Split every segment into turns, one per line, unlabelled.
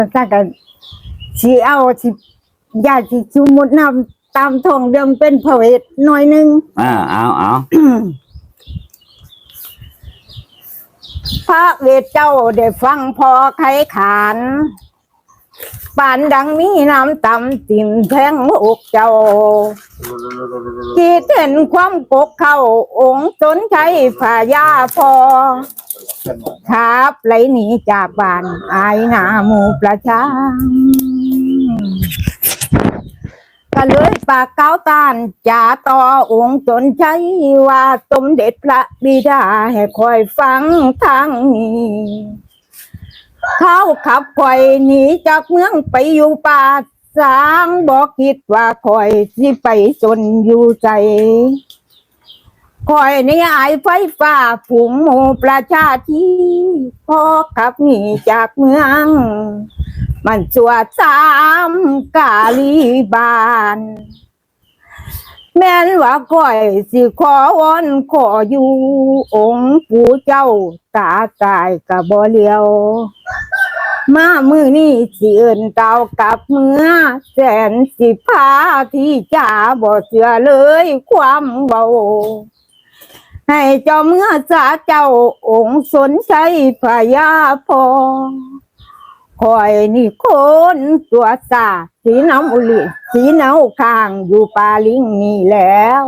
ถ้ากันสิเอาสิญาติชุมุดนำตามทองเดิมเป็นพระเวทหน่อยนึง
เอา
พระเวทเจ้าได้ฟังพอไขขานปานดังมีน้ำต่ำติ่มแทงอกเจ้าที่เห็นความกกเข้าองค์สนใช้ฝ่ายาพอครับไหลหนีจากบ้านอายหน้าหมู่ประชาก็เลยปากเก้าตานจ่าต่อองค์จนใช้ว่าสมเด็จพระบิดาให้คอยฟังทางนี้เขาขับคอยหนีจากเมืองไปอยู่ป่าสางบอกคิดว่าคอยสิไปจนอยู่ใจคอยในอายไฟฟ้าผุ่มหมู่ประชาที่พอขับหนีจากเมืองมันสวดสามกาลีบานแม่นว่าก้อยสิขอวอนขออยู่องค์ปู่เจ้าตาตายกะบ่เลียวมามือนี่สิเอิ้นเต่ากับเมื่อแสนสิพาที่จ่าบ่เชื่อเลยความเบาให้เจ้าเมื่อสาเจ้าองค์สนใจพญาพอคอยนี่คนตัวสาสีน้ำอุลิสีน้ำข้างอยู่ปาลิงนี่แล้ว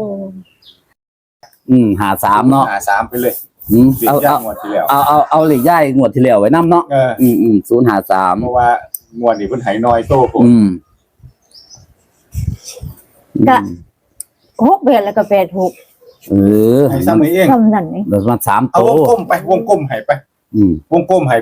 53เนาะ
53ไปเลย
เอาเหล็กย่ายงวดที่แล้วไว้นำเนาะ053
เพราะว่างวดนี้เพิ่นให้น้อยโตผม
ก็6เดือนแล้วก็86
ให้ซ้ำนี้เอง
ซ้ำนั่นนี่
แล้วมัน3โต
เอาวงกลมไปวงกลมให้ไปวงกลมให้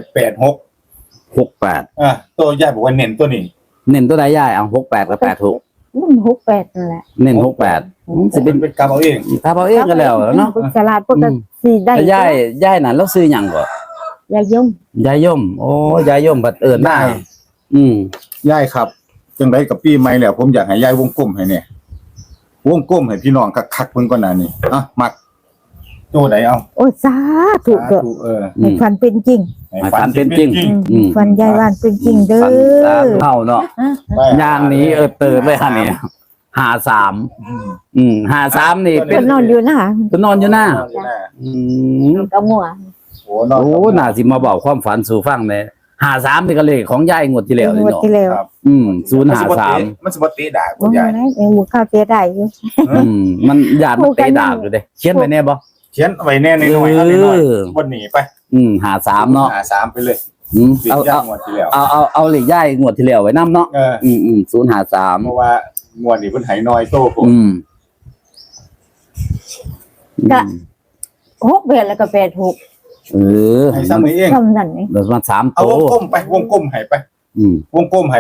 68ตัวยายบอกว่าเน้นตัวนี้
เน้นตัวใดย่ายเอา68กับ86
มัน68นั่นแหละ
เน้น68สิเป็น
กลับเอาเอง
ถ้าเอาเองก็แล้วเนาะ
ฉลาดปกติได้
ย่ายนั่นแล้วซื้อหยังบ่
ยายยม
โอ้ยายยมบัดเอิ้นได้
ยายครับจังได๋กับปีใหม่แล้วผมอยากให้ยายวงกลมให้เนี่ยวงกลมให้พี่น้องคักๆเพิ่นก่อนหน้านี้มักโตใดเอา
โอ้สาธุให้ฝันเป็นจริง
ฝันเป็นจริง
ฝันยายว่านเป็นจริงเด้อ
เฮาเนาะย่างนี้เติบเลยฮะนี่53นี่เป็น
นอนอยู่นะ
ก็นอนอยู่นะ
ก็งัว
โอ้น่าสิมาบอกความฝันสู่ฟังแน่53นี่ก็เลขของยายงวดที่แล้วนี่เนาะ
ครับ
053
มันสิบ่ตีดาคุณยาย
หมู่ข้าวเตะได้อยู่
มันญาติมันเตะดาบอยู่เด้เขียนไว้แน่บ่
เขียนไว้แน่ในหน่อยบ่หนีไป
53เนาะ
53ไปเลย
เอาเหล็กย่ายงวดที่แล้วไว้นำเนาะ053
เพราะว่างวดนี้เพิ่นให้น้อยโตผม
ก็6เดือนแล้วก็86
ให้ซ้ำนี้เอง
ซ้ำนั่นนี่
แล้วมัน3โต
เอาวงกลมไปวงกลมให้ไปวงกลมให้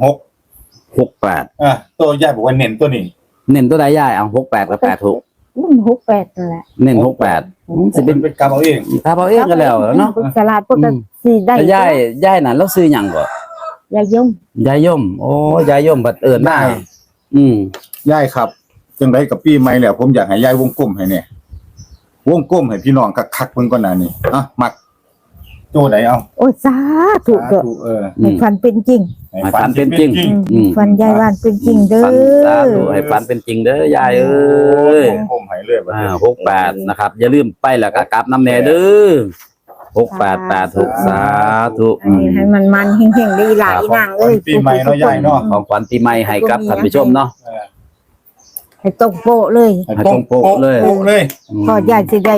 68ตัวยายบอกว่าเน้นตัวนี้
เน้นตัวใดยายเอา68กับ86
มัน68นั่นแหละ
เน้น68สิเป็น
กลับเอาเอง
ถ้าเอาเองก็แล้วเนาะ
ฉลาดปกติได้
ยายนั่นแล้วซื้อหยังบ่
ยาย
ยมโอ้ยายยมบัดเอิ้นได้
ยายครับจังได๋กับปีใหม่แล้วผมอยากให้ยายวงกลมให้เนี่ยวงกลมให้พี่น้องคักๆเพิ่นก่อนหน้านี้มักโตใดเอา
โอ้สาธุให้ฝันเป็นจริง
ให้ฝันเป็นจริง
ฝันยายว่านเป็นจริงเด้อ
สาธุให้ฝันเป็นจริงเด้อยายเอ้ย
ผมให้เลยบัดนี้
68นะครับอย่าลืมไปแล้วก็กลับนำแน่เด้อ688สาธุ
ให้มันเฮงๆได้หลายนางเอ้ย
ปีใหม่เนาะยายเนาะ
ของขวัญปีใหม่ให้กับท่านผู้ชมเนาะ
ให้ตรงโปะเลย
ให้ตรงโปะเลย
พอยายสิได้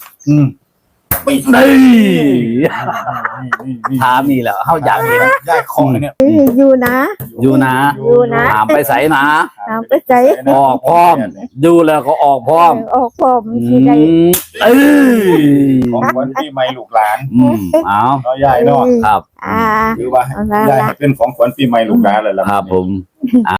นี่ถามนี่แหละเฮาอยากเห็น
ยายของเนี่ย
อยู่นะ
ถามไปไสนะ
ถามไปไส
ออกพร้อมดูแล้วก็ออกพร้อม
สิได้
ของขวัญปีใหม่ลูกหลาน
เอา
เนาะยายเนาะ
ครับ
คือว่ายายเป็นของขวัญปีใหม่ลูกหลานเลยล่ะ
ครับผม